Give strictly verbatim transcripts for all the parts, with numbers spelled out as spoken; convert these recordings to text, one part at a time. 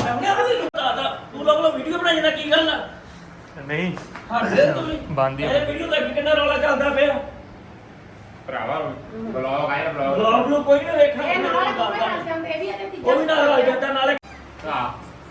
ਤੂੰ ਲੋਕ ਵੀਡੀਓ ਬਣਾਈ ਜਾਂਦਾ ਕੀ ਗੱਲ ਆ ਨਹੀਂ ਹੱਦੇ ਤੂੰ ਬੰਦ ਹੀ ਇਹ ਵੀਡੀਓ ਦਾ ਕਿੰਨਾ ਰੌਲਾ ਚੱਲਦਾ ਪਿਆ ਭਰਾਵਾ ਬਲੌਗ ਆਇਆ ਬਲੌਗ ਬਲੌਗ ਨੂੰ ਕੋਈ ਨਹੀਂ ਵੇਖਣਾ ਇਹ ਨਾਲ ਕੋਈ ਹੱਸ ਜਾਂਦੇ ਇਹ ਵੀ ਇਹਦੇ ਤੀਜਾ ਉਹ ਵੀ ਨਾਲ ਰਲ ਜਾਂਦਾ ਨਾਲੇ ਹਾਂ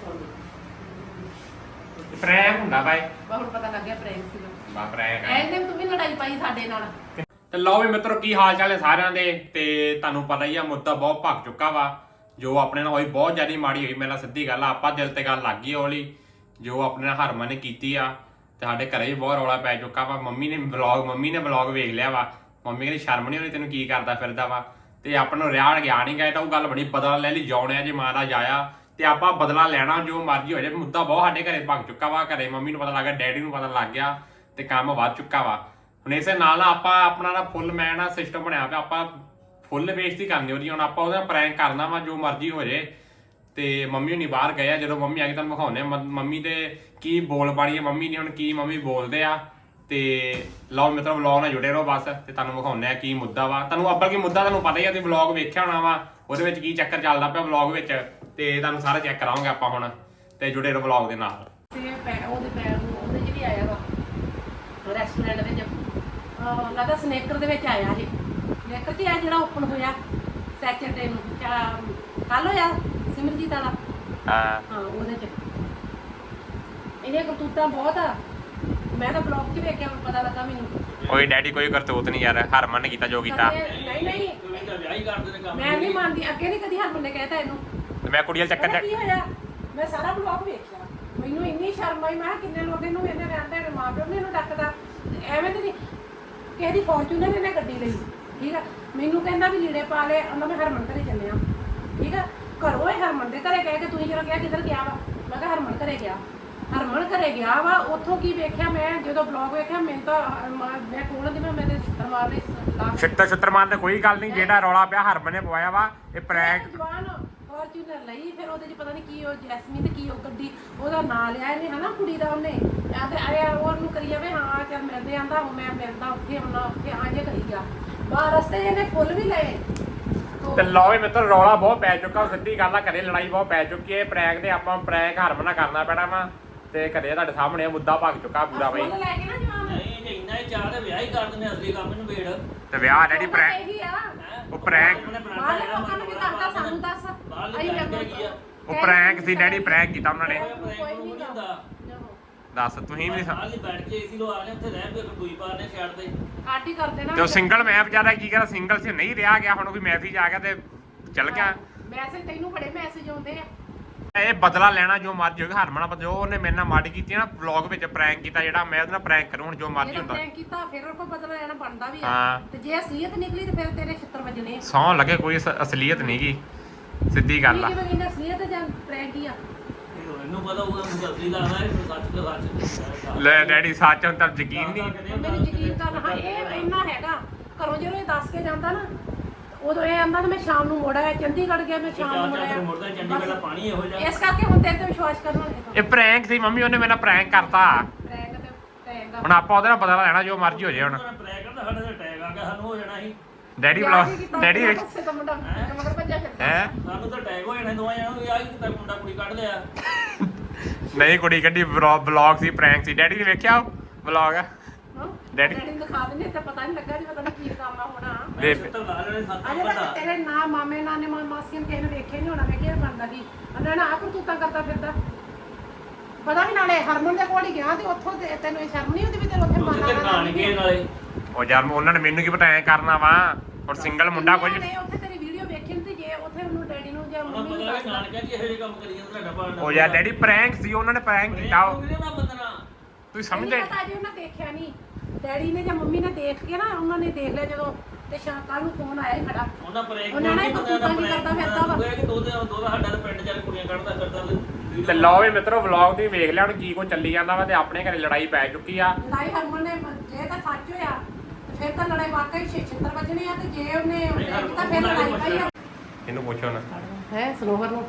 ਪ੍ਰੈਂਕ ਹੁੰਦਾ ਬਾਈ ਬਹੁਤ ਪਤਾ ਲੱਗਿਆ ਪ੍ਰੇਮ ਸੀ ਬਾ ਪ੍ਰੈਂਕ ਐਨੇ ਤੂੰ ਵੀ ਲੜਾਈ ਪਾਈ ਸਾਡੇ ਨਾਲ ਤੇ ਲਓ ਵੀ ਮਿੱਤਰੋ ਕੀ ਹਾਲ ਚਾਲ ਹੈ ਸਾਰਿਆਂ ਦੇ ਤੇ ਤੁਹਾਨੂੰ ਪਤਾ ਹੀ ਆ ਮੁੱਦਾ ਬਹੁਤ ਭੱਗ ਚੁੱਕਾ ਵਾ ਜੋ ਆਪਣੇ ਨਾਲ ਹੋਈ ਬਹੁਤ ਜ਼ਿਆਦਾ ਮਾੜੀ ਹੋਈ ਮੇਰੇ ਨਾਲ ਸਿੱਧੀ ਗੱਲ ਆ ਆਪਾਂ ਦਿਲ ਤੇ ਗੱਲ ਲੱਗ ਗਈ ਹੌਲੀ ਜੋ ਆਪਣੇ ਨਾਲ ਹਰਮਨ ਨੇ ਕੀਤੀ ਆ ਤੇ ਸਾਡੇ ਘਰੇ ਵੀ ਬਹੁਤ ਰੌਲਾ ਪੈ ਚੁੱਕਾ ਵਾ ਮੰਮੀ ਨੇ ਵਲੌਗ ਮੰਮੀ ਨੇ ਵਲੌਗ ਵੇਖ ਲਿਆ ਵਾ ਮੰਮੀ ਕਹਿੰਦੀ ਸ਼ਰਮ ਨਹੀਂ ਆਉਂਦੀ ਤੈਨੂੰ ਕੀ ਕਰਦਾ ਫਿਰਦਾ ਵਾ ਤੇ ਆਪਾਂ ਨੂੰ ਰਿਆੜ ਗਿਆ ਨਹੀਂ ਗਏ ਤਾਂ ਉਹ ਗੱਲ ਬਣੀ ਬਦਲਾ ਲੈ ਲਈ ਜਾਉਣਿਆ ਜੇ ਮਾਂ ਦਾ ਜਾਇਆ ਤੇ ਆਪਾਂ ਬਦਲਾ ਲੈਣਾ ਜੋ ਮਰਜ਼ੀ ਹੋ ਜਾਏ ਮੁੱਦਾ ਬਹੁਤ ਸਾਡੇ ਘਰੇ ਭੱਗ ਚੁੱਕਾ ਵਾ ਘਰੇ ਮੰਮੀ ਨੂੰ ਪਤਾ ਲੱਗ ਗਿਆ ਡੈਡੀ ਨੂੰ ਪਤਾ ਲੱਗ ਗਿਆ ਤੇ ਕੰਮ ਵੱਧ ਚੁੱਕਾ ਵਾ ਹੁਣ ਇਸੇ ਨਾਲ ਆਪਾਂ ਆਪਣਾ ਨਾ ਫੁੱਲ ਮੈਂ ਨਾ ਸਿਸਟਮ ਬਣਿਆ ਪਿਆ ਆਪਾਂ ਫੁੱਲ ਬੇਇੱਜ਼ਤੀ ਕਰਨੀ ਉਹਦੀ ਹੁਣ ਆਪਾਂ ਉਹਦਾ ਪ੍ਰੈਂਕ ਕਰਨਾ ਵਾ ਜੋ ਮਰਜ਼ੀ ਹੋ ਜੇ ਤੇ ਮੰਮੀ ਹੁਣੀ ਬਾਹਰ ਗਏ ਆ ਜਦੋਂ ਮੰਮੀ ਆ ਕੇ ਤੁਹਾਨੂੰ ਵਿਖਾਉਂਦੇ ਮੰਮੀ ਦੇ ਕੀ ਬੋਲ ਬਾਣੀ ਹੈ ਮੰਮੀ ਨੇ ਹੁਣ ਕੀ ਮੰਮੀ ਬੋਲਦੇ ਆ ਤੇ ਲਓ ਮਿੱਤਰੋ ਵਲੌਗ ਨਾਲ ਜੁੜੇ ਰਹੋ ਬਸ ਤੇ ਤੁਹਾਨੂੰ ਵਿਖਾਉਂਦੇ ਆ ਕੀ ਮੁੱਦਾ ਵਾ ਤੁਹਾਨੂੰ ਅੱਬਲ ਕੀ ਮੁੱਦਾ ਤੁਹਾਨੂੰ ਪਤਾ ਹੀ ਆ ਤੁਸੀਂ ਵਲੌਗ ਵੇਖਿਆ ਹੋਣਾ ਵਾ ਉਹਦੇ ਵਿੱਚ ਕੀ ਚੱਕਰ ਚੱਲਦਾ ਪਿਆ ਵਲੌਗ ਵਿੱਚ ਤੇ ਤੁਹਾਨੂੰ ਸਾਰਾ ਚੈੱਕ ਕਰਾਵਾਂਗੇ ਆਪਾਂ ਹੁਣ ਤੇ ਜੁੜੇ ਰਹੋ ਵਲੌਗ ਦੇ ਨਾਲ ਤੇ ਪੈ ਉਹਦੇ ਪੈਰ ਨੂੰ ਉਹਦੇ ਚ ਵੀ ਆਇਆ ਵਾ ਰੈਸਟੋਰੈਂਟ ਵਿੱਚ ਅਹ ਲੱਗਦਾ ਸਨੇਕਰ ਦੇ ਵਿੱਚ ਆਇਆ ਇਹ ਸਨੇਕਰ ਚ ਆ ਜਿਹੜਾ ਓਪਨ ਹੋਇਆ ਸੈਚਰਡੇ ਨੂੰ ਕੱਲ ਹੋਇਆ ਸਿਮਰਜੀਤ ਵਾਲਾ ਹਾਂ ਹਾਂ ਉਹਦੇ ਚ ਇਹਨੇ ਕਰਤੂਤਾਂ ਬਹੁਤ ਆ ਮੈਂ ਤਾਂ ਬਲੌਗ 'ਚ ਵੇਖਿਆ ਪਤਾ ਲੱਗਾ ਮੈਨੂੰ ਕੋਈ ਡੈਡੀ ਕੋਈ ਕਰਤੂਤ ਨਹੀਂ ਯਾਰ ਹਰਮਨ ਨੇ ਕੀਤਾ ਜੋ ਕੀਤਾ ਨਹੀਂ ਨਹੀਂ ਤੂੰ ਤਾਂ ਵਿਆਹ ਹੀ ਕਰਦੇ ਨੇ ਕੰਮ ਮੈਂ ਨਹੀਂ ਮੰਨਦੀ ਅੱਗੇ ਨਹੀਂ ਕਦੀ ਹਰਮਨ ਨੇ ਕਹਿਤਾ ਇਹਨੂੰ ਤੇ ਮੈਂ ਕੁੜੀ ਵਾਲ ਚੱਕਰ ਪਤਾ ਚ ਕੀ ਹੋਇਆ ਮੈਂ ਸਾਰਾ ਬਲੌਗ ਵੇਖਿਆ ਮੈਨੂੰ ਇੰਨੀ ਸ਼ਰਮ ਆਈ ਮੈਂ ਕਿਹਾ ਕਿੰਨੇ ਲੋਕ ਇਹਨੂੰ ਇਹਨੇ ਰਹਿੰਦੇ ਨੇ ਮਾਂ ਪਿਓ ਨੇ ਇਹਨੂੰ ਡੱਕਦਾ ਐਵੇਂ ਤੇ ਨਹੀਂ ਕਿਸੇ ਦੀ ਫੋਰਚੂਨਰ ਇਹਨੇ ਗੱਡੀ ਲਈ ਠੀਕ ਆ ਮੈਨੂੰ ਕਹਿੰਦਾ ਵੀ ਲੀੜੇ ਪਾ ਲੈ ਉਹਨਾਂ ਮੈਂ ਹਰਮਨ ਘਰੇ ਚੱਲੇ ਆ ਠੀਕ ਆ ਘਰੋਂ ਇਹ ਹਰਮਨ ਦੇ ਘਰੇ ਕਹਿ ਕੇ ਤੁਸੀਂ ਜਦੋਂ ਕਿਹਾ ਕਿੱਧਰ ਗਿਆ ਵਾ ਮੈਂ ਕਿਹਾ ਹਰਮਨ ਘਰੇ ਗਿਆ ਹਰਮਨ ਘਰੇ ਗਿਆ ਵਾ ਉੱਥੋਂ ਕੀ ਵੇਖਿਆ ਮੈਂ ਜਦੋਂ ਬਲੌਗ ਵੇਖਿਆ ਮੈਨੂੰ ਤਾਂ ਮੈਂ ਕੋਲ ਦੀ ਮੈਂ ਮੇਰੇ ਛਿੱਤਰ ਮਾਰ ਲਈ ਛਿੱਤਰ ਛਿੱਤਰ ਮਾਰਨ ਤੇ ਕੋਈ ਗੱਲ ਨਹੀਂ ਜਿਹੜਾ ਰੌਲਾ ਪਿਆ ਹਰਮਨ ਨੇ ਪਵਾਇਆ ਵਾ ਇਹ ਪ੍ਰੈਂਕ ਜਵਾਨ ਫੋਰਚੂਨਰ ਲਈ ਫਿਰ ਉਹਦੇ ਚ ਪਤਾ ਨਹੀਂ ਕੀ ਉਹ ਜੈਸਮੀਨ ਤੇ ਕੀ ਉਹ ਗੱਡੀ ਉਹਦਾ ਨਾਂ ਲਿਆ ਇਹਨੇ ਹਨਾ ਕੁੜੀ ਦਾ ਉਹਨੇ ਆ ਤੇ ਆਇਆ ਉਹਨੂੰ ਕਰੀ ਜਾਵੇ ਹਾਂ ਚੱਲ ਮਿਲਦੇ ਆਂਦਾ ਉਹ ਮੈਂ ਮਿਲਦਾ ਉੱਥੇ ਹੁਣ ਉੱਥੇ ਆ ਜੇ ਕਰੀ ਗਿਆ ਬਾਹਰ ਰਸਤੇ ਇਹਨੇ ਫੁੱਲ ਵੀ ਲਏ ਤੇ ਲਓ ਵੀ ਮਿੱਤਰ ਰੌਲਾ ਬਹੁਤ ਪੈ ਚੁੱਕਾ ਸਿੱਧੀ ਗੱਲ ਆ ਘਰੇ ਲੜਾਈ ਬਹੁਤ ਪੈ ਚੁੱਕੀ ਹੈ ਪ੍ਰੈਂਕ ਤੇ ਆਪਾਂ ਪ੍ਰੈਂਕ ਹਰਮਨ ਨਾਲ ਕਰਨਾ ਪੈਣਾ ਵਾ ਤੇ ਘਰੇ ਤੁਹਾਡੇ ਸਾਹਮਣੇ ਮੁੱਦਾ ਭੱਗ ਚੁੱਕਾ ਪੂਰਾ ਬਈ ਫੁੱਲ ਲੈ ਕੇ ਨਾ ਜਵਾਨ ਨਹੀਂ ਜੇ ਇੰਨਾ ਹੀ ਚਾਹ ਤੇ ਵਿਆਹ ਹੀ ਕਰ ਦਿੰਦੇ ਅਸਲੀ ਕੰਮ ਨੂੰ ਵੇੜ ਤੇ ਵਿਆਹ ਡੈਡੀ ਪ੍ਰੈਂਕ ਇਹੀ ਆ ਉਹ ਪ੍ਰੈਂਕ ਬਾਹਰ ਲੋਕਾਂ ਨੂੰ ਵੀ ਦੱਸਦਾ ਸਾਨੂੰ ਦੱਸ ਬਾਹਰਲੀ ਪ੍ਰੈਂਕ ਹੈਗੀ ਆ ਉਹ ਪ੍ਰੈਂਕ ਸੀ ਡੈਡੀ ਪ੍ਰੈਂਕ ਕੀਤਾ ਉਹਨਾਂ ਨੇ ਪ੍ਰੈਂਕ ਨੂੰ ਨਹੀਂ ਹੁੰਦਾ ਦੱਸ ਤੁਸੀਂ ਵੀ ਬਾਹਰ ਨਹੀਂ ਬੈਠ ਕੇ ਏਸੀ ਲੋ ਆ ਰਹੇ ਉੱਥੇ ਰਹਿ ਪਏ ਕੋਈ ਪਾਰ ਨੇ ਛੱਡ ਦੇ ਆਟੀ ਕਰਦੇ ਨਾ ਤੇ ਉਹ ਸਿੰਗਲ ਮੈਂ ਵਿਚਾਰਾ ਕੀ ਕਰਾਂ ਸਿੰਗਲ ਸੀ ਨਹੀਂ ਰਿਹਾ ਗਿਆ ਹੁਣ ਕੋਈ ਮੈਸੇਜ ਆ ਗਿਆ ਤੇ ਚੱਲ ਗਿਆ ਮੈਸੇਜ ਤੈਨੂੰ ਬੜੇ ਮੈਸੇਜ ਆਉਂਦੇ ਆ ਇਹ ਬਦਲਾ ਲੈਣਾ ਜੋ ਮਰਜ਼ੀ ਹੋਵੇ ਹਰਮਨ ਜੋ ਉਹਨੇ ਮੇਰੇ ਨਾਲ ਮਾੜੀ ਕੀਤੀ ਨਾ ਵਲੌਗ ਵਿੱਚ ਪ੍ਰੈਂਕ ਕੀਤਾ ਜਿਹੜਾ ਮੈਂ ਉਹਦੇ ਨਾਲ ਪ੍ਰੈਂਕ ਕਰੂੰ ਹੁਣ ਜੋ ਮਰਜ਼ੀ ਹੁੰਦਾ ਪ੍ਰੈਂਕ ਕੀਤਾ ਫਿਰ ਉਹ ਕੋ ਬਦਲਾ ਲੈਣਾ ਬਣਦਾ ਵੀ ਆ ਹਾਂ ਤੇ ਜੇ ਅਸਲੀਅਤ ਨਿਕਲੀ ਤੇ ਫਿਰ ਤੇਰੇ ਛਿੱਤਰ ਵੱਜਣੇ ਸੌਂ ਲੱਗੇ ਕੋਈ ਅਸ- ਅਸਲੀਅਤ ਨਹੀਂ ਗੀ ਸਿੱਧੀ ਗੱਲ ਆ ਕਿਵੇਂ ਕਹਿੰਦਾ ਅਸਲੀਅਤ ਜਾਂ ਪ੍ਰੈਂਕ ਹੀ ਆ ਇਹਨੂੰ ਪਤਾ ਹੋਊਗਾ ਮੈਨੂੰ ਅਸਲੀ ਲੱਗਦਾ ਹੈ ਸੱਚ ਤੇ ਸੱਚ ਲੈ ਡੈਡੀ ਸੱਚ ਹੁਣ ਤਾਂ ਯਕੀਨ ਨਹੀਂ ਮੈਨੂੰ ਯਕੀਨ ਕਰ ਹਾਂ ਇਹ ਇੰਨਾ ਹੈਗਾ ਘਰੋਂ ਜਦੋਂ ਇਹ ਦੱਸ ਕੇ ਜਾਂਦਾ ਨਾ ਉਦੋਂ ਇਹ ਆਂਦਾ ਮੈਂ ਸ਼ਾਮ ਨੂੰ ਮੁੜ ਆਇਆ ਚੰਡੀਗੜ੍ਹ ਗਿਆ ਮੈਂ ਸ਼ਾਮ ਨੂੰ ਮੁੜ ਆਇਆ ਮੁੜਦਾ ਚੰਡੀਗੜ੍ਹ ਦਾ ਪਾਣੀ ਇਹੋ ਜਿਹਾ ਇਸ ਕਰਕੇ ਹੁਣ ਤੇਰੇ ਤੇ ਵਿਸ਼ਵਾਸ ਕਰਨਾ ਨਹੀਂ ਇਹ ਪ੍ਰੈਂਕ ਸੀ ਮੰਮੀ ਉਹਨੇ ਮੇਰੇ ਨਾਲ ਪ੍ਰੈਂਕ ਕਰਤਾ ਪ੍ਰੈਂਕ ਤੇ ਪ੍ਰੈਂਕ ਹੁਣ ਆਪਾਂ ਉਹਦੇ ਨਾਲ ਬਦਲਾ ਲੈਣਾ ਜੋ ਮਰਜ਼ੀ ਹੋ ਜਾਏ ਹੁਣ ਪ੍ਰੈਂਕ ਕਰਦਾ ਸਾਡੇ ਤੇ ਟੈਗ ਆ ਗਿਆ ਸਾਨੂੰ ਹੋ ਜਾਣਾ ਸੀ ਡੈਡੀ ਵਲੌਗ ਡੈਡੀ ਵੇਖ ਤਾਂ ਮੁੰਡਾ ਮਗਰ ਭੱਜਿਆ ਫਿਰਦਾ ਹੈ ਸਾਨੂੰ ਤਾਂ ਟੈਗ ਹੋ ਜਾਣਾ ਦੋਵਾਂ ਜਣਾਂ ਨੂੰ ਆ ਕਿਤਾ ਮੁੰਡਾ ਕੁੜੀ ਕੱਢ ਲਿਆ ਨਹੀਂ ਕੁੜੀ ਕੱਢੀ ਵਲੌਗ ਸੀ ਪ੍ਰੈਂਕ ਸੀ ਡੈਡੀ ਨੇ ਵੇਖਿਆ ਵਲੌਗ ਡੈਡੀ ਨੂੰ ਦਿਖਾ ਦਿੰਦੇ ਤਾਂ ਪਤਾ ਨਹੀਂ ਲੱਗਾ ਜੀ ਪਤਾ ਨਹੀਂ ਕੀ ਕੰਮ ਆ ਹੋਣਾ ਮੈਂ ਸੱਤਰ ਲਾ ਲੈਣੇ ਸੱਤ ਅਜੇ ਪਤਾ ਤੱਕ ਤੇਰੇ ਨਾ ਮਾਮੇ ਨਾ ਨੇ ਮਾਸੀਆਂ ਕਿਸੇ ਨੇ ਵੇਖਿਆ ਨਹੀਂ ਹੋਣਾ ਮੈਂ ਕਿਹਾ ਬਣਦਾ ਕੀ ਉਹਨਾਂ ਨੇ ਆਪ ਕਰਤੂਤਾਂ ਕਰਦਾ ਫਿਰਦਾ ਪਤਾ ਵੀ ਨਾਲੇ ਹਰਮਨ ਦੇ ਕੋਲ ਹੀ ਗਿਆ ਤੇ ਉੱਥੋਂ ਤੇ ਤੈਨੂੰ ਇਹ ਸ਼ਰਮ ਨਹੀਂ ਹੁੰਦੀ ਵੀ ਤੈਨੂੰ ਉੱਥੇ ਉੱਥੇ ਮਾਰਨਾ ਕਾਣ ਗਏ ਨਾਲੇ ਉਹ ਯਾਰ ਉਹਨਾਂ ਨੇ ਮੈਨੂੰ ਕੀ ਪਤਾ ਐ ਕਰਨਾ ਵਾ ਹੁਣ ਸਿੰਗਲ ਮੁੰਡਾ ਕੁਝ ਨਹੀਂ ਉੱਥੇ ਤੇਰੀ ਵੀਡੀਓ ਵੇਖੀ ਤੇ ਜੇ ਉੱਥੇ ਉਹਨੂੰ ਡੈਡੀ ਨੂੰ ਜਾਂ ਉਹਨਾਂ ਮੰਮੀ ਪਤਾ ਨੂੰ ਵੀ ਕਾਣ ਕਹਿੰਦੀ ਇਹੋ ਜਿਹੇ ਕੰਮ ਕਰੀ ਜਾਂਦਾ ਤੁਹਾਡਾ ਪਾਣ ਉਹ ਯਾਰ ਡੈਡੀ ਪ੍ਰੈਂਕ ਸੀ ਉਹਨਾਂ ਨੇ ਪ੍ਰੈਂਕ ਕੀਤਾ ਉਹ ਨਾ ਬੰਦਨਾ ਤੁਸੀਂ ਸਮਝਦੇ ਪਤਾ ਜੀ ਉਹਨਾਂ ਦੇਖਿਆ ਨਹੀਂ ਡੈਡੀ ਨੇ ਜਾਂ ਮੰਮੀ ਨੇ ਦੇਖ ਕੇ ਨਾ ਉਹਨਾਂ ਨੇ ਦੇਖ ਲਿਆ ਜਦੋਂ ਤੇ ਸ਼ਾਮ ਕੱਲ ਨੂੰ ਫੋਨ ਆਇਆ ਹੀ ਖੜਾ ਉਹਨਾਂ ਪ੍ਰੈਂਕ ਉਹਨਾਂ ਨੇ ਕਰਤੂਤਾਂ ਕੀ ਕਰਦਾ ਫਿਰਦਾ ਵਾ ਕਿ ਦੋ ਦੋ ਦਾ ਸਾਡਾ ਤਾਂ ਪਿੰਡ ਚੱਲ ਕੁੜੀਆਂ ਕੱਢਦਾ ਫਿਰਦਾ ਤੇ ਲਓ ਵੀ ਮਿੱਤਰੋ ਵਲੌਗ ਦੀ ਵੇਖ ਲਿਆ ਹੁਣ ਕੀ ਕੋ ਚੱਲੀ ਜਾਂਦਾ ਵਾ ਤੇ ਆਪਣੇ ਘਰੇ ਲੜਾਈ ਪੈ ਚੁੱਕੀ ਆ ਲੜਾਈ ਹਰਮਨ ਨੇ ਜੇ ਤਾਂ ਸੱਚ ਹੋਇਆ ਤੇ ਫਿਰ ਤਾਂ ਲੜਾਈ ਵਾਕਈ ਛਿੱਤਰ ਵੱਜਣੇ ਆ ਤੇ ਜੇ ਉਹਨੇ ਤਾਂ ਫਿਰ ਲੜਾਈ ਪਈ ਆ ਇਹਨੂੰ ਪੁੱਛੋ ਨਾ ਹੈ ਸਨੋਵਰ ਨੂੰ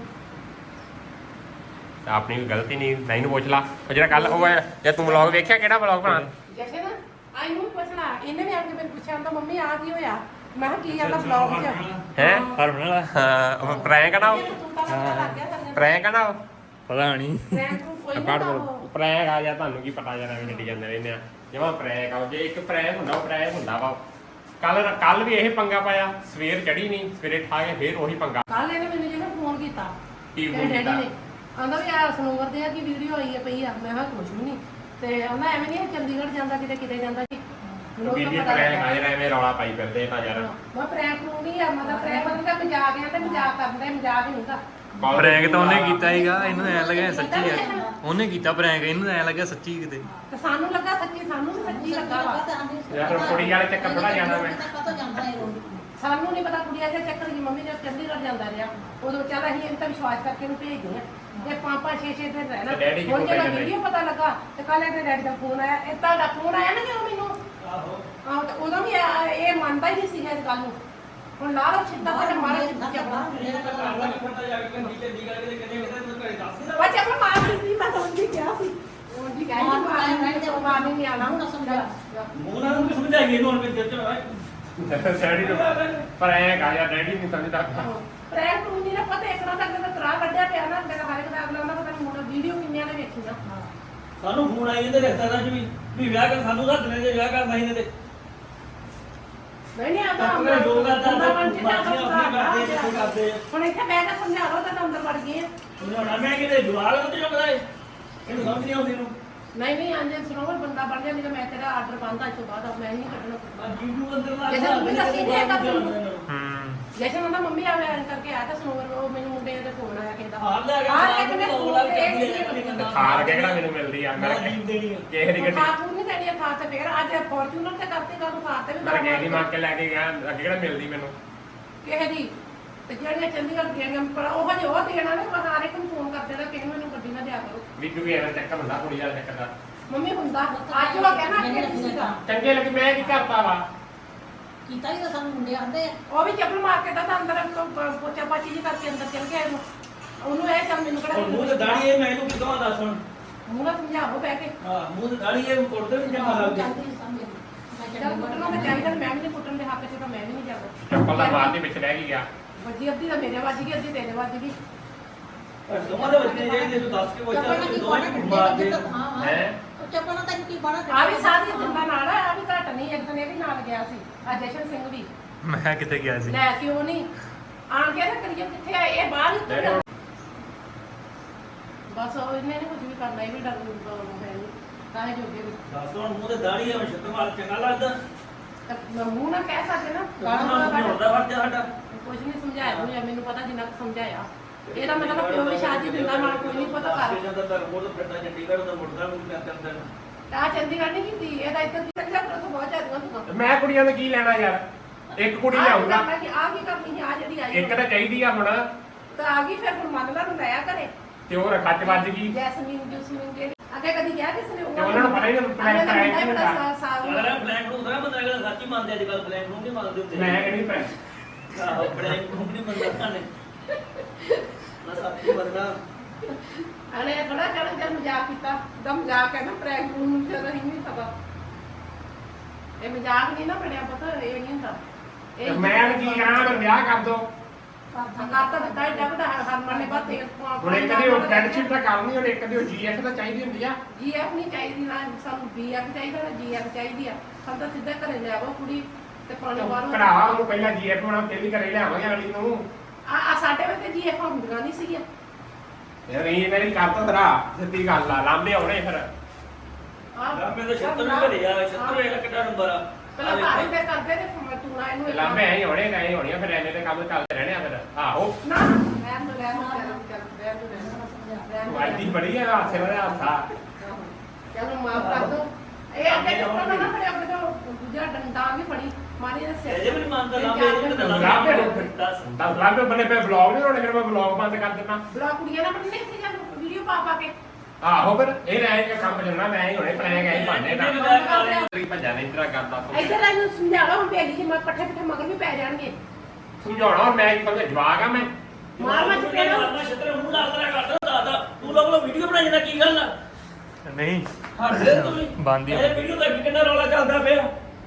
ਆਪਣੀ ਕੋਈ ਗਲਤੀ ਨਹੀਂ ਨਹੀਂ ਨੂੰ ਪੁੱਛ ਲਾ ਉਹ ਜਿਹੜਾ ਕੱਲ ਉਹ ਜੇ ਤੂੰ ਵਲੌਗ ਵੇਖਿਆ ਕਿਹੜਾ ਵਲੌਗ ਬਣਾ ਜੈਸੇ ਨਾ ਆਈ ਨੂੰ ਪੁੱਛਣਾ ਇਹਨੇ ਵੀ ਆ ਕੇ ਮੈਨੂੰ ਪੁੱਛਿਆ ਤਾਂ ਮੰਮੀ ਆ ਕੀ ਹੋਇਆ ਮੈਂ ਕਿਹਾ ਕੀ ਆਂਦਾ ਵਲੌਗ 'ਚ ਹੈ ਹਰਮਨ ਵਾਲਾ ਹਾਂ ਉਹ ਪ੍ਰੈਂਕ ਆ ਨਾ ਉਹ ਪ੍ਰੈਂਕ ਪ੍ਰੈਂਕ ਆ ਨਾ ਉਹ ਪਤਾ ਨਹੀਂ ਪ੍ਰੈਂਕ ਨੂੰ ਕੋਈ ਕੱਢ ਨਾ ਦੋ ਪ੍ਰੈਂਕ ਆ ਜਾ ਤੁਹਾਨੂੰ ਕੀ ਪਤਾ ਜਾਣਾ ਵੀ ਛੱਡੀ ਜਾਂਦੇ ਰਹਿੰਦੇ ਆ ਜਿਵੇਂ ਪ੍ਰੈਂਕ ਆ ਜੇ ਇੱਕ ਪ੍ਰੈਂਕ ਹੁੰਦਾ ਉਹ ਪ੍ਰੈਂਕ ਹੁੰਦਾ ਵਾ ਕੱਲ ਕੱਲ ਵੀ ਇਹ ਪੰਗਾ ਪਾਇਆ ਸਵੇਰ ਚੜੀ ਨਹੀਂ ਸਵੇਰੇ ਠਾ ਕੇ ਫੇਰ ਉਹੀ ਪੰਗਾ ਕੱਲ ਇਹਨੇ ਮੈਨੂੰ ਜਿਹੜਾ ਫੋਨ ਕੀਤਾ ਕੀ ਤੇਰੇ ਫੋਨ ਡੈਡੀ ਕੀਤਾ ਨੇ ਆਂਦਾ ਵੀ ਆ ਸਨੋਵਰ ਦੇ ਆ ਕੀ ਵੀਡੀਓ ਆਈ ਹੈ ਪਈ ਆ ਮੈਂ ਕਿਹਾ ਕੁਝ ਵੀ ਨਹੀਂ ਤੇ ਆਂਦਾ ਐਵੇਂ ਨਹੀਂ ਚੰਡੀਗੜ੍ਹ ਜਾਂਦਾ ਕਿਤੇ ਕਿਤੇ ਜਾਂਦਾ ਜੀ ਮੈਨੂੰ ਵੀ ਤਾਂ ਜੀ ਪਤਾ ਪ੍ਰੈਂਕ ਲੱਗਾ। ਆ ਜਿਹੜਾ ਐਵੇਂ ਰੌਲਾ ਪਾਈ ਫਿਰਦੇ ਤਾਂ ਯਾਰ ਮੈਂ ਪ੍ਰੈਂਕ ਨੂੰ ਨਹੀਂ ਆ ਮਤਲਬ ਪ੍ਰੈਂਕ ਮਤਲਬ ਮਜ਼ਾਕ ਆ ਤੇ ਮਜ਼ਾਕ ਕਰਦਾ ਮਜ਼ਾਕ ਹੀ ਹੁੰਦਾ ਪ੍ਰੈਂਕ ਤਾਂ ਉਹਨੇ ਕੀਤਾ ਹੀਗਾ ਇਹਨੂੰ ਐ ਲੱਗਿਆ ਸੱਚੀ ਆ ਉਹਨੇ ਕੀਤਾ ਪ੍ਰੈਂਕ ਇਹਨੂੰ ਐ ਲੱਗਿਆ ਸੱਚੀ ਕਿਤੇ ਤੇ ਸਾਨੂੰ ਲੱਗਾ ਸੱਚੀ ਸਾਨੂੰ ਵੀ ਸੱਚੀ ਲੱਗਾ ਵਾ ਯਾਰ ਕੁੜੀ ਵਾਲੇ ਚੱਕਰ ਥੋੜਾ ਜਾਣਾ ਮੈਂ ਸਾਨੂੰ ਨਹੀਂ ਪਤਾ ਕੁੜੀਆਂ ਦੇ ਚੱਕਰ ਦੀ ਮੰਮੀ ਜਦ ਚੰਡੀਗੜ੍ਹ ਜਾਂਦਾ ਰਿਹਾ ਉਦੋਂ ਚੱਲ ਅਸੀਂ ਇਹਨਾਂ ਤਾਂ ਵਿਸ਼ਵਾਸ ਕਰਕੇ ਇਹਨੂੰ ਭੇਜਦੇ ਆ ਤੇ ਪੰਜ ਪੰਜ ਛੇ ਛੇ ਦਿਨ ਰਹਿਣਾ ਤੇ ਡੈਡੀ ਕਿਉਂ ਹੁਣ ਜਦੋਂ ਭੇਜਦੇ? ਵੀਡੀਓ ਪਤਾ ਲੱਗਾ ਤੇ ਕੱਲ ਇਹਦੇ ਡੈਡੀ ਦਾ ਫੋਨ ਆਇਆ ਇਹ ਤੁਹਾਡਾ ਫੋਨ ਆਇਆ ਨਾ ਜਦੋਂ ਮੈਨੂੰ ਆਹੋ ਆਹੋ ਤੇ ਉਦੋਂ ਵੀ ਇਹ ਇਹ ਮੰਨਦਾ ਹੀ ਨਹੀਂ ਸੀਗਾ ਇਸ ਗੱਲ ਨੂੰ ਹੁਣ ਲਾ ਲਓ ਛਿੱਦਾ ਤੇ ਮਾਰੇ ਛਿੱਦਾ ਚੱਪੜਾ ਇਹਨੇ ਤਾਂ ਘਰ ਦਾ ਖੱਟਾ ਜਾ ਕੇ ਕੰਦੀ ਤੇ ਦੀ ਕਰਕੇ ਕਿਤੇ ਕਿਤੇ ਤੂੰ ਘਰੇ ਦੱਸ ਦੇ ਬੱਚਾ ਆਪਣਾ ਮਾਰ ਦਿੱਤੀ ਮੈਂ ਤਾਂ ਉਹਦੀ ਕਿਹਾ ਸੀ ਉਹਦੀ ਕਹਿ ਸੀ ਮਾਰ ਨਹੀਂ ਤੇ ਮਾਰ ਨਹੀਂ ਆਣਾ ਹੁਣ ਸਮਝਾ ਮੂੰਹ ਨਾਲ ਉਹਨੂੰ ਸਮਝਾਈਏ ਇਹਨੂੰ ਹੁਣ ਮੇਰੇ ਦਿਲ ਚ ਡੈਡੀ ਨੂੰ ਪ੍ਰੈਂਕ ਆ ਯਾਰ ਡੈਡੀ ਨਹੀਂ ਸਮਝਦਾ ਪ੍ਰੈਂਕ ਨੂੰ ਨਹੀਂ ਨਾ ਪਤਾ ਇੱਕ ਨਾ ਤੱਕ ਤਾਂ ਤਰਾ ਕੱਢਿਆ ਪਿਆ ਨਾ ਮੇਰਾ ਹਰ ਇੱਕ ਦਾ ਅਗਲਾ ਨਾ ਪਤਾ ਨਹੀਂ ਮੁੰਡਾ ਵੀਡੀਓ ਕਿੰਨਿਆਂ ਨੇ ਵੇਖੀ ਨਾ ਸਾਨੂੰ ਫੋਨ ਆਈ ਜਾਂਦੇ ਰਿਸ਼ਤੇਦਾਰਾਂ ਚ ਵੀ ਵੀ ਵਿਆਹ ਕਰ ਸਾਨੂੰ ਰੱਖ ਲੈ ਜੇ ਵਿਆਹ ਕਰਨਾ ਹੀ ਨੇ ਤੇ ਨਹੀਂ ਨਹੀਂ ਆਉਂਦਾ ਆਪਣੇ ਲੋਕ ਕਰਦਾ ਬੰਦਾ ਬਣ ਕੇ ਬਾਕੀ ਆਪਣੇ ਕਰਦੇ ਜਿੱਥੇ ਕਰਦੇ ਹੁਣ ਇੱਥੇ ਬਹਿ ਕੇ ਸਮਝਾ ਲਓ ਤਾਂ ਅੰਦਰ ਵੜ ਗਏ ਆ ਉਹਨਾਂ ਮੈਂ ਕਿਤੇ ਜਵਾਲ ਉੱਤੇ ਚੁੱਕਦਾ ਏ ਇਹਨੂੰ ਸਮਝ ਨਹੀਂ ਆਉਂਦੀ ਇਹਨੂੰ ਨਹੀਂ ਨਹੀਂ ਅੰਜੇ ਸਰੋਵਰ ਬੰਦਾ ਬਣ ਗਿਆ ਨਹੀਂ ਤਾਂ ਮੈਂ ਤੇਰਾ ਆਰਡਰ ਬੰਦਾ ਅੱਜ ਤੋਂ ਬਾਅਦ ਮੈਂ ਨਹੀਂ ਕੱਢਣਾ ਆ YouTube ਅੰਦਰ ਲਾ ਜੈਸੇ ਮੰਮੀ ਦੱਸੀ ਜੇ ਤਾਂ ਤੈਨੂੰ ਹੂੰ ਜੈਸੇ ਮੰਮਾ ਮੰਮੀ ਆਵੇ ਐਂ ਕਰਕੇ ਆਇਆ ਤਾਂ ਸਰੋਵਰ ਉਹ ਮੈਨੂੰ ਮੁੰਡੇ ਦੇ ਫੋਨ ਆਇਆ ਕਹਿੰਦਾ ਹਾਰ ਲੈ ਕੇ ਹਾਰ ਸਾਹ ਕੇ ਮੈਂ ਨੂੰ ਫੋਨ ਲਾ ਤੇ ਕੇ ਇਹ ਕਰਦੀ ਨਹੀਂ ਹੈ ਖਾਰ ਕੇ ਕਿਹੜਾ ਮੈਨੂੰ ਮਿਲਦੀ ਆ ਮੈਂ ਜੀਵ ਦੇਣੀ ਆ ਕਿਸੇ ਦੀ ਗੱਡੀ ਖਾ ਪੂਰ ਨਹੀਂ ਦੇਣੀ ਆ ਥਾਂ ਤੇ ਫੇਰ ਅੱਜ ਫੋਰਚੂਨਰ ਤੇ ਕਰਤੇ ਕਾਹਨੂੰ ਖਾਰ ਤੇ ਵੀ ਮੈਂ ਕਿਸੇ ਦੀ ਮੰਗ ਕੇ ਲੈ ਕੇ ਗਿਆ ਅੱਗੇ ਕਿਹੜਾ ਮਿਲਦੀ ਮੈਨੂੰ ਕਿਸੇ ਦੀ ਤੇ ਜਿਹੜੀਆਂ ਚੰਡੀਗੜ੍ਹ ਦੀਆਂ ਪਰ ਉਹ ਹਜੇ ਉਹ ਦੇਣਾ ਨੇ ਮੈਂ ਹਰ ਇੱਕ ਨੂੰ ਫੋਨ ਕਰ ਦੇਣਾ ਕਿ ਮੈਨੂੰ ਗੱਡੀ ਨਾ ਦਿਆ ਕਰੋ ਵੀ ਕਿਉਂਕਿ ਐਵੇਂ ਚੱਕਰ ਹੁੰਦਾ ਕੁੜੀ ਵਾਲਾ ਚੱਕਰ ਦਾ ਮੰਮੀ ਹੁੰਦਾ ਅੱਜ ਉਹ ਕਹਿਣਾ ਕਿ ਨਹੀਂ ਸੀਗਾ ਚੰਗੇ ਲੱਗੇ ਮੈਂ ਕੀ ਕਰਤਾ ਵਾ ਕੀਤਾ ਹੀ ਤਾਂ ਸਾਨੂੰ ਮੁੰਡੇ ਆਂਦੇ ਆ ਉਹ ਵੀ ਚੱਪਲ ਮਾਰ ਕੇ ਤਾਂ ਅੰਦਰ ਪੋਚਾ ਪਾਚੀ ਜੀ ਕਰਕੇ ਅੰਦਰ ਚਲ ਗਿਆ ਇਹਨੂੰ ਉਹਨੂੰ ਇਹ ਚੱਲ ਮੈਨੂੰ ਕਿਹੜਾ ਹੁਣ ਮੂੰਹ ਤੇ ਦਾੜੀ ਇਹ ਮੈਨੂੰ ਕਿਦੋਂ ਦੱਸ ਹੁਣ ਮੂੰਹ ਨਾਲ ਸਮਝਾਓ ਬਹਿ ਕੇ ਹਾਂ ਮੂੰਹ ਤੇ ਦਾੜੀ ਇਹ ਕੁੱਟਦੇ ਵੀ ਜਮਾ ਲੱਗ ਗਿਆ ਜਾਂਦੀ ਸਮਝ ਮੈਂ ਜਦ ਚੰਗੀ ਕੁੱਟਣਾ ਤਾਂ ਚਾਹੀਦਾ ਮੈਂ ਵੀ ਨਹੀਂ ਕੁੱਟਣ ਦੇ ਹੱਕ 'ਚ ਤਾਂ ਮੈਂ ਵੀ ਨਹੀਂ ਜਾਣਾ ਚੱਪਲ ਦਾ ਮਾਰ ਦੇ ਵਿੱਚ ਰਹਿ ਗਈ ਗਿਆ ਵੱਜੀ ਅੱਧੀ ਤਾਂ ਮੇਰੇ ਵੱਜ ਗਈ ਅੱਧੀ ਤੇਰੇ ਵੱਜ ਗਈ ਦੋਵਾਂ ਦੇ ਬੱਚੇ ਜਿਹੜੇ ਤੂੰ ਦੱਸ ਕੇ ਪੁੱਛਦਾ ਚੱਪਲਾਂ ਕੀ ਦੋਵਾਂ ਬਾਣਾ ਨੂੰ ਕੱਢੇ ਮਾਰ ਦੇ ਬੱਚੇ ਤਾਂ ਹਾਂ ਹੈ ਉਹ ਚੱਪਲਾਂ ਤਾਂ ਕੀ ਬਾਣਾ ਆ ਵੀ ਸਾਰੀ ਦਿੰਦਾ ਨਾਲ ਆ ਵੀ ਘੱਟ ਨਹੀਂ ਇੱਕ ਦਿਨ ਇਹ ਵੀ ਨਾਲ ਗਿਆ ਸੀ ਆ ਜਸ਼ਨ ਸਿੰਘ ਵੀ ਮੈਂ ਕਿੱਥੇ ਗਿਆ ਸੀ ਲੈ ਕਿਉਂ ਨਹੀਂ ਆਣ ਕੇ ਨਾ ਕਰੀਏ ਕਿੱਥੇ ਆ ਇਹ ਬਾਹਰ ਹੀ ਉੱਤਰ ਗਿਆ ਬਸ ਉਹ ਇਹਨੇ ਨਹੀਂ ਕੁਝ ਵੀ ਕਰਨਾ ਇਹ ਵੀ ਡਰ ਨੂੰ ਹੈ ਨਹੀਂ ਕਾਹੇ ਜੋਗੇ ਵੀ ਦੱਸ ਹੁਣ ਮੂੰਹ ਤੇ ਦਾੜੀ ਹੈ ਛੱਤ ਮਾਰ ਚੰਗਾ ਲੱਗਦਾ ਤਾਂ ਮੂੰਹ ਨਾ ਕਹਿ ਸਕਦੇ ਨਾ ਗਾਣਾ ਗਾਲਾਂ ਨਾ ਸਮਝਾਉਂਦਾ ਫਰਜ਼ ਸਾਡਾ ਕੁਝ ਨਹੀਂ ਸਮਝਾਇਆ ਹੋਇਆ ਮੈਨੂੰ ਪਤਾ ਜਿੰਨਾ ਕੁ ਸਮਝਾਇਆ ਇਹਦਾ ਮਤਲਬ ਪਿਓ ਵੀ ਸ਼ਾਦੀ ਦਿੰਦਾ ਨਾਲ ਕੋਈ ਨਹੀਂ ਪਤਾ ਕਰ ਜਾਂਦਾ ਧਰਮੋਂ ਤੋਂ ਫਿਰਦਾ ਚੰਡੀਗੜ੍ਹ ਦਾ ਮੁੜਦਾ ਨੂੰ ਮੈਂ ਤਿੰਨ ਦਿਨ ਆ ਚੰਡੀਗੜ੍ਹ ਨਹੀਂ ਕੀਤੀ ਇਹਦਾ ਇੱਧਰ ਦੀ ਪੰਜਾਬ ਤੋਂ ਬਹੁਤ ਜ਼ਿਆਦਾ ਤੂੰ ਮੈਂ ਕੁੜੀਆਂ ਨੂੰ ਕੀ ਲੈਣਾ ਯਾਰ ਇੱਕ ਕੁੜੀ ਲਿਆਉਂਗਾ ਮੈਂ ਕਿ ਆ ਕੀ ਕਰਨੀ ਆ ਜਿਹੜੀ ਆਈ ਇੱਕ ਤਾਂ ਚਾਹੀਦੀ ਆ ਹੁਣ ਤਾਂ ਆ ਗਈ ਫਿਰ ਹੁਣ ਮੰਨ ਲਾ ਨੂੰ ਲਿਆ ਘਰੇ ਤੇ ਉਹ ਰੱਖਾ ਚ ਵੱਜ ਗਈ ਜੈਸਮੀਨ ਜੂਸਮੀਨ ਦੇ ਅੱਗੇ ਕਦੀ ਕਿਹਾ ਕਿਸੇ ਨੇ ਤੇ ਉਹਨਾਂ ਨੂੰ ਪਤਾ ਹੀ ਨਹੀਂ ਪਲੈਨ ਕਰਾਇਆ ਕੀ ਹੁੰਦਾ ਅਗਰ ਫਲੈਂਕ ਨੂੰ ਉਤਰਾ ਬੰਦਾ ਅਗਰ ਸੱਚੀ ਮੰਨਦੇ ਅੱਜ ਕੱਲ ਫਲੈਂਕ ਨੂੰ ਨਹੀਂ ਮੰਨਦੇ ਹੁੰਦੇ ਮੈਂ ਕਿਹੜੀ ਪੈ ਆਹੋ ਫਲੈਂਕ ਨੂੰ ਨਹੀਂ ਮੰਨਦਾ ਨੇ ਨਾ ਸੱਚੀ ਮੰਨਦਾ ਅਨੇ ਥੋੜਾ ਕਰਨ ਜਦ ਮਜ਼ਾਕ ਕੀਤਾ ਦਮ ਮਜ਼ਾਕ ਹੈ ਨਾ ਪ੍ਰੈਂਕ ਨੂੰ ਤੇ ਰਹੀ ਨਹੀਂ ਪਤਾ ਇਹ ਮਜ਼ਾਕ ਨਹੀਂ ਨਾ ਬਣਿਆ ਪਤਾ ਇਹ ਨਹੀਂ ਹੁੰਦਾ ਤੇ ਮੈਂ ਕੀ ਕਰਾਂ ਮੈਂ ਵਿਆਹ ਕਰ ਦੋ ਕਰਤਾ ਦਿੱਤਾ ਇਹ ਡੱਬ ਦਾ ਹਰਮਨ ਨੇ ਬਾਤ ਤੇਲ ਹੁਣ ਇੱਕ ਦੀ ਉਹ ਫਰੈਂਡਸ਼ਿਪ ਤਾਂ ਕਰਨੀ ਹੁਣ ਇੱਕ ਦੀ ਉਹ ਜੀਐਫ ਤਾਂ ਚਾਹੀਦੀ ਹੁੰਦੀ ਆ ਜੀ ਐਫ ਨਹੀਂ ਚਾਹੀਦੀ ਨਾ ਸਾਨੂੰ ਬੀ ਐਫ ਚਾਹੀਦਾ ਨਾ ਜੀ ਐਫ ਚਾਹੀਦੀ ਆ ਸਾਨੂੰ ਤਾਂ ਸਿੱਧਾ ਘਰੇ ਲੈ ਆਵੋ ਕੁੜੀ ਤੇ ਪਾਣੀ ਬਾਹਰੋਂ ਭਰਾਵਾ ਉਹਨੂੰ ਪਹਿਲਾਂ ਜੀਐਫ ਬਣਾ ਫਿਰ ਵੀ ਘਰੇ ਲਿਆਵਾਂਗੇ ਅਗਲੀ ਨੂੰ ਆ ਆ ਸਾਡੇ ਵੇਲੇ ਜੀ ਐਫ ਹੁੰਦੀਆਂ ਨਹੀਂ ਸੀਗੀਆਂ ਯਾਰ ਇਹ ਮੇਰੀ ਕਰ ਤਾ ਤੇਰਾ ਸਿੱਧੀ ਗੱਲ ਆ ਲਾਂਬੇ ਆਉਣੇ ਫਿਰ ਨਾ ਮੈਂ ਤਾਂ ਛੱਤਰ ਨੂੰ ਘਰੇ ਆ ਛੱਤਰ ਇਹਦਾ ਕਿੱਡਾ ਨੰਬਰ ਆ ਪਹਿਲਾਂ ਪਾਣੀ ਤੇ ਕਰਦੇ ਤੇ ਤੂੰ ਨਾ ਇਹਨੂੰ ਲਾਂਬੇ ਐਂ ਹੋਣੇ ਗਏ ਹੋਣੀਆਂ ਫਿਰ ਐਵੇਂ ਦੇ ਕੰਮ ਚੱਲਦੇ ਰਹਿਣੇ ਆ ਫਿਰ ਆਹੋ ਨਾ ਰਹਿਣ ਦੋ ਰਹਿਣ ਦੋ ਚੱਲ ਚੱਲ ਰਹਿਣ ਦੋ ਰਹਿਣ ਤੂੰ ਅੱਜ ਦੀ ਬੜੀ ਆ ਹਾਸੇ ਵਾਲਾ ਹਾਸਾ ਚਲੋ ਮਾਫ ਕਰ ਦੋ ਇਹ ਅੱਗੇ ਚੱਪਲ ਨਾ ਨਾ ਫੜਿਆ ਅੱਗੇ ਤੋਂ ਦੂਜਾ ਡੰਡਾ ਵੀ ਫੜੀ ਮਾਰੀ ਦੇ ਸਿਰ ਇਹ ਜੇ ਮੈਨੂੰ ਮੰਨਦਾ ਲਾਂਬੇ ਇਹ ਤਾਂ ਲਾਂਬੇ ਦੱਸ ਦਸ ਲਾਂਬੇ ਬਣੇ ਪਏ ਵਲੌਗ ਨਹੀਂ ਹੋਣੇ ਫਿਰ ਮੈਂ ਵਲੌਗ ਬੰਦ ਕਰ ਦਿੰਦਾ ਬੜਾ ਕੁੜੀਆਂ ਨਾਲ ਬਣਨੇ ਇੱਥੇ ਜਾਂ ਵੀਡੀਓ ਪਾ ਪਾ ਕੇ ਆਹੋ ਫਿਰ ਇਹ ਰਹਿ ਕੇ ਕੰਮ ਚੱਲਣਾ ਮੈਂ ਹੀ ਹੋਣੇ ਪ੍ਰੈਂਕ ਐਂ ਭਾਂਡੇ ਦਾ ਤੇਰੀ ਭੱਜਾ ਨਹੀਂ ਤੇਰਾ ਕਰਦਾ ਇੱਧਰ ਇਹਨੂੰ ਸਮਝਾ ਲਓ ਹੁਣ ਬੇਲੀ ਜੀ ਮੈਂ ਪੱਠੇ ਪੱਠੇ ਮਗਰ ਵੀ ਪੈ ਜਾਣਗੇ ਸਮਝਾਉਣਾ ਹੁਣ ਮੈਂ ਕੀ ਸਮਝ ਜਵਾਕ ਆ ਮੈਂ ਮਾਰ ਮੈਂ ਚਪੇੜਾ ਮਾਰਨਾ ਛੱਤਰ ਮੂੰਹ ਨਾਲ ਤੇਰਾ ਕਰਦਾ ਦਾਦਾ ਤੂੰ ਲੋਕ ਲੋ ਵੀਡੀਓ ਬਣਾਈ ਜਾਂਦਾ ਕੀ ਗੱਲ ਆ ਨਹੀਂ ਹੱਸਦੇ ਤੂੰ ਵੀ ਬੰਦ ਹੀ ਆ। ਇਹ ਵੀਡੀਓ ਦਾ ਕਿੰਨਾ ਰੌਲਾ ਚੱਲਦਾ ਪਿਆ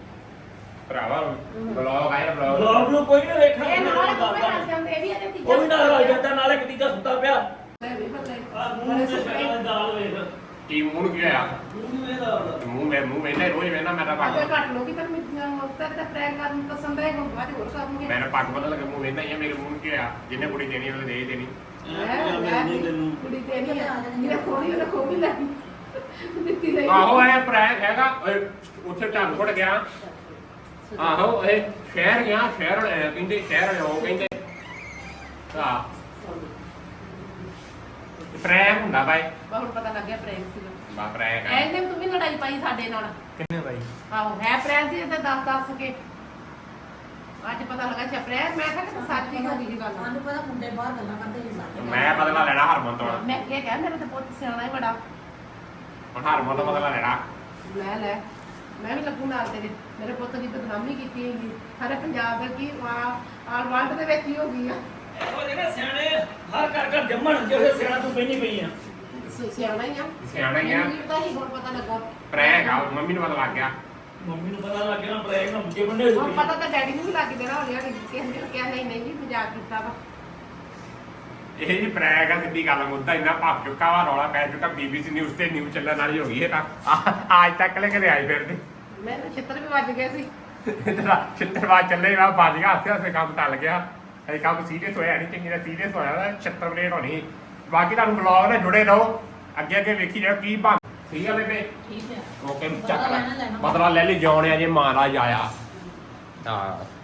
ਭਰਾਵਾ ਵਲੌਗ ਆਇਆ ਵਲੌਗ ਬਲੌਗ ਨੂੰ ਕੋਈ ਨਹੀਂ ਵੇਖਣਾ ਇਹ ਨਾਲ ਕੋਈ ਕਰ ਜਾਂਦੇ ਇਹ ਵੀ ਇਹਦੇ ਤੀਜਾ ਉਹ ਵੀ ਨਾਲ ਰਲ ਜਾਂਦਾ ਨਾਲ ਇੱਕ ਤੀਜਾ ਸੁੱਤਾ ਪਿਆ ਮੈਂ ਵੀ ਪਤਾ ਆ ਮੂੰਹ ਮੂੰਹ ਤੇ ਸ਼ਕਲ ਦਾਲ ਵੇਖ ਕੀ ਮੂੰਹ ਨੂੰ ਕੀ ਹੋਇਆ ਮੂੰਹ ਨੂੰ ਇਹ ਦਾਲ ਤੇ ਮੂੰਹ ਮੈਂ ਮੂੰਹ ਵੇਖਦਾ ਰੋਜ਼ ਵੇਖਦਾ ਮੈਂ ਤਾਂ ਅੱਗੇ ਪੱਗ ਘੱਟ ਲੋਕੀ ਤਾਂ ਮੈਨੂੰ ਮੁਕਤਰ ਤੇ ਪ੍ਰੈਂਕ ਕਰਨ ਨੂੰ ਪਸੰਦ ਹੈ ਹੁਣ ਬਾਅਦ ਹੋਰ ਕਰਨਗੇ ਮੈਂ ਪੱਗ ਬਦਲ ਕੇ ਮੂੰਹ ਵੇਖਦਾ ਹੀ ਆ ਮੇਰੇ ਮੂੰਹ ਨੂੰ ਕੀ ਹੋਇਆ ਜਿਹਨੇ ਕੁੜੀ ਦੇਣੀ ਉਹਨੇ ਦੇ ਹੀ ਦੇਣੀ ਮੈਂ ਨਹੀਂ ਤੈਨੂੰ ਕੁੜੀ ਤੇ ਨਹੀਂ ਜਿਹੜਾ ਖੋਣੀ ਉਹਨੇ ਖੋ ਵੀ ਲੈ ਦਿੱਤੀ ਲਈ ਆਹੋ ਇਹ ਪ੍ਰੈਂਕ ਹੈਗਾ ਓਏ, ਉੱਥੇ ਢੰਗ ਫੁੱਟ ਗਿਆ ਆਹੋ ਇਹ ਸ਼ਹਿਰ ਗਿਆ ਸ਼ਹਿਰ ਵਾਲੇ ਕਹਿੰਦੇ ਸ਼ਹਿਰ ਵਾਲੇ ਉਹ ਕਹਿੰਦੇ ਆ ਪ੍ਰੈਂਕ ਹੁੰਦਾ ਬਾਈ ਹੁਣ ਪਤਾ ਲੱਗਿਆ ਪ੍ਰੈਂਕ ਸੀ ਬਾ ਪ੍ਰੈਂਕ ਹੈ ਐਂਦੇ ਤੂੰ ਵੀ ਲੜਾਈ ਪਾਈ ਸਾਡੇ ਨਾਲ ਕਿੰਨੇ ਬਾਈ ਆਹੋ ਹੈ ਪ੍ਰੈਂਕ ਸੀ ਤੇ ਦੱਸ ਦੱਸ ਕੇ ਅੱਜ ਪਤਾ ਲੱਗਾ ਛਾ ਪ੍ਰੈਂਕ ਮੈਂ ਕਿਹਾ ਕਿ ਸੱਚ ਹੀ ਹੋ ਗਈ ਇਹ ਗੱਲ ਸਾਨੂੰ ਪਤਾ ਮੁੰਡੇ ਬਾਹਰ ਗੱਲਾਂ ਕਰਦੇ ਸੀ ਸਾਡੇ ਮੈਂ ਬਦਲਾ ਲੈਣਾ ਹਰਮਨ ਤੋਂ ਮੈਂ ਅੱਗੇ ਕਹਿ ਮੇਰੇ ਤੇ ਪੁੱਤ ਸਿਆਣਾ ਹੀ ਬੜਾ ਹੁਣ ਹਰਮਨ ਤੋਂ ਬਦਲਾ ਲੈਣਾ ਲੈ ਲੈ ਮੈਂ ਵੀ ਲੱਗੂ ਨਾਲ ਤੇਰੇ ਮੇਰੇ ਪੁੱਤ ਦੀ ਬਦਨਾਮੀ ਕੀਤੀ ਹੈਗੀ ਸਾਰੇ ਪੰਜਾਬ ਦਾ ਕੀ ਆਲ ਵਰਲਡ ਦੇ ਵਿੱਚ ਹੀ ਹੋ ਗਈ ਆ ਇਹੋ ਜਿਹੇ ਨਾ ਸਿਆਣੇ ਹਰ ਘਰ ਘਰ ਜੰਮਣ ਜਿਹੜੇ ਸਿਆਣਾ ਤੂੰ ਪੈਣੀ ਪਈ ਆ ਸ- ਸਿਆਣਾ ਹੀ ਆ ਸਿਆਣਾ ਹੀ ਆ ਮੈਨੂੰ ਵੀ ਪਤਾ ਸੀ ਹੁਣ ਪਤਾ ਲੱਗਾ ਪ੍ਰੈਂਕ ਆ ਮੰਮੀ ਨੂੰ ਪਤਾ ਲੱਗ ਗਿਆ ਮੰਮੀ ਨੂੰ ਪਤਾ ਲੱਗ ਗਿਆ ਨਾ ਬ੍ਰੇਕ ਨਾ ਮੁੱਕੇ ਬੰਦੇ ਹੁਣ ਪਤਾ ਤਾਂ ਡੈਡੀ ਨੂੰ ਵੀ ਲੱਗ ਗਿਆ ਹੋ ਗਿਆ ਕਿ ਕਿਸੇ ਨੇ ਕਿਹਾ ਨਹੀਂ ਨਹੀਂ ਜੀ ਮਜ਼ਾਕ ਕੀਤਾ ਵਾ ਇਹ ਜੀ ਪ੍ਰੈਂਕ ਆ ਸਿੱਧੀ ਗੱਲ ਮੁੱਦਾ ਇੰਨਾ ਭੱਜ ਚੁੱਕਾ ਵਾ ਰੌਲਾ ਪੈ ਚੁੱਕਾ ਬੀਬੀਸੀ ਨਿਊਜ਼ ਤੇ ਨਿਊਜ਼ ਚੱਲਣ ਵਾਲੀ ਹੋ ਗਈ ਇਹ ਤਾਂ ਆ- ਅੱਜ ਤੱਕ ਲੈ ਕਦੇ ਆਈ ਫਿਰਦੇ ਮੈਨੂੰ ਛਿੱਤਰ ਵੀ ਵੱਜ ਗਏ ਸੀ ਤੇਰਾ ਛਿੱਤਰਵਾਦ ਚੱਲੇ ਵਾ ਵੱਜ ਗਿਆ ਹੱਸੇ ਹੱਸੇ ਕੰਮ ਟਲ ਗਿਆ ਇਹ ਕੰਮ ਸੀਰੀਅਸ ਹੋਇਆ ਨਹੀਂ ਚੰਗੀ ਦਾ ਸੀਰੀਅਸ ਹੋਇਆ ਤਾਂ ਛਿੱਤਰ ਬਲੇਡ ਹੋਣੀ ਬਾਕੀ ਤੁਹਾਨੂੰ ਬਲੌਗ ਨਾਲ ਜੁੜੇ ਰਹੋ ਅੱਗੇ ਅੱਗੇ ਵੇਖੀ ਜਾਓ ਕੀ ਬਣ ਠੀਕ ਆ ਬੇਬੇ ਠੀਕ ਹੈ ਓਕੇ ਬਦਲਾ ਚੱਕ ਲੈ ਲੈਣਾ ਲੈਣਾ। ਬਦਲਾ ਲੈ ਲਈ ਜਾਉਣਿਆ ਜੇ ਮਹਾਰਾਜ ਆਇਆ ਹਾਂ